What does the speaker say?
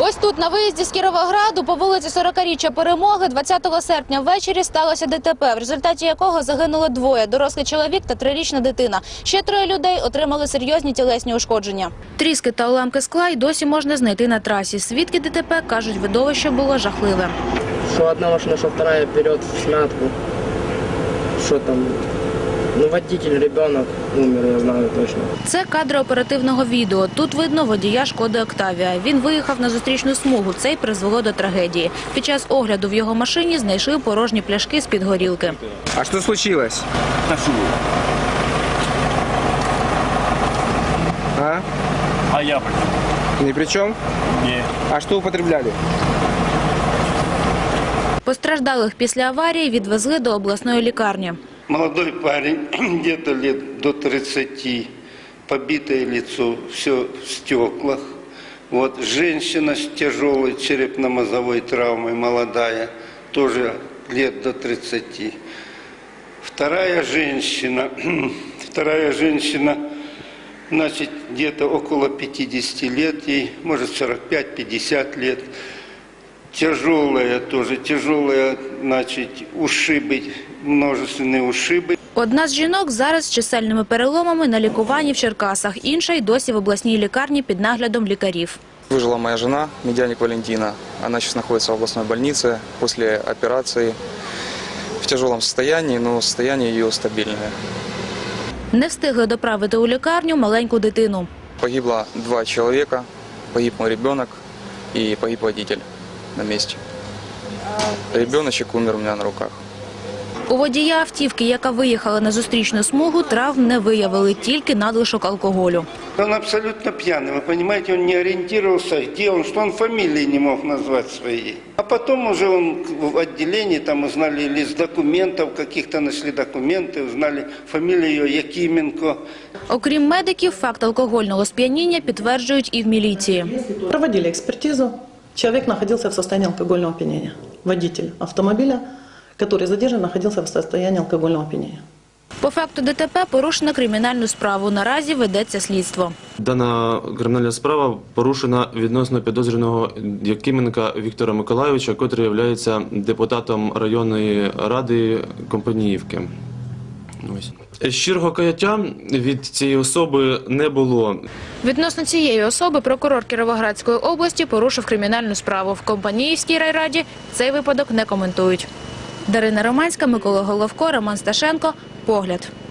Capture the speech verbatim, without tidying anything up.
Ось тут, на виїзді з Кіровограду, по вулиці сорокаріччя Перемоги, двадцятого серпня ввечері сталося ДТП, в результаті якого загинуло двоє – дорослий чоловік та трирічна дитина. Ще троє людей отримали серйозні тілесні ушкодження. Тріски та уламки скла й досі можна знайти на трасі. Свідки ДТП кажуть, видовище було жахливе. Що одна машина, що вторая вперед в смятку. Що там? Ну, водитель, ребенок умер, я знаю точно. Це кадри оперативного відео. Тут видно водія «Шкоди Октавія». Він виїхав на зустрічну смугу. Це й призвело до трагедії. Під час огляду в його машині знайшли порожні пляшки з-під горілки. А що случилось? А? А я при чем? Ни при чем? Нет. А что употребляли? Постраждалих після аварії відвезли до обласної лікарні. Молодой парень, где-то лет до тридцати, побитое лицо, все в стеклах. Вот женщина с тяжелой черепно-мозговой травмой, молодая, тоже лет до тридцати. Вторая женщина, вторая женщина, значит, где-то около пятидесяти лет, ей, может, сорок пять — пятьдесят лет. Тяжелая тоже, тяжелая, значит, ушибы, множественные ушибы. Одна з жінок зараз з чисельними переломами на лікуванні в Черкасах, інша й досі в обласній лікарні під наглядом лікарів. Выжила моя жена, Медяник Валентина. Она сейчас находится в областной больнице после операции в тяжелом состоянии, но состояние ее стабильное. Не встигли доправити у лікарню маленьку дитину. Погибло два человека, погиб мой ребенок и погиб водитель на месте. Ребеночек умер у меня на руках. У водія автівки, яка виїхала на зустрічну смугу, травм не виявили, тільки надлишок алкоголю. Он абсолютно пьяный, вы понимаете, он не ориентировался, где он, что он фамилии не мог назвать своей. А потом уже он в отделении, там узнали лист документов, каких-то нашли документы, узнали фамилию Якименко. Окрім медиків, факт алкогольного сп'яніння підтверджують і в міліції. Проводили экспертизу. Человек находился в состоянии алкогольного опьянения. Водитель автомобиля, который задержан, находился в состоянии алкогольного опьянения. По факту ДТП порушено кримінальну справу. Наразі ведеться слідство. Дана кримінальна справа порушена відносно підозрюваного Якименка Віктора Миколайовича, котрий є депутатом районної ради Компаніївки. Ось. Щирого каяття від цієї особи не було. Відносно цієї особи прокурор Кіровоградської області порушив кримінальну справу. В Компаніївській райраді цей випадок не коментують. Дарина Романська, Микола Головко, Роман Сташенко. Погляд.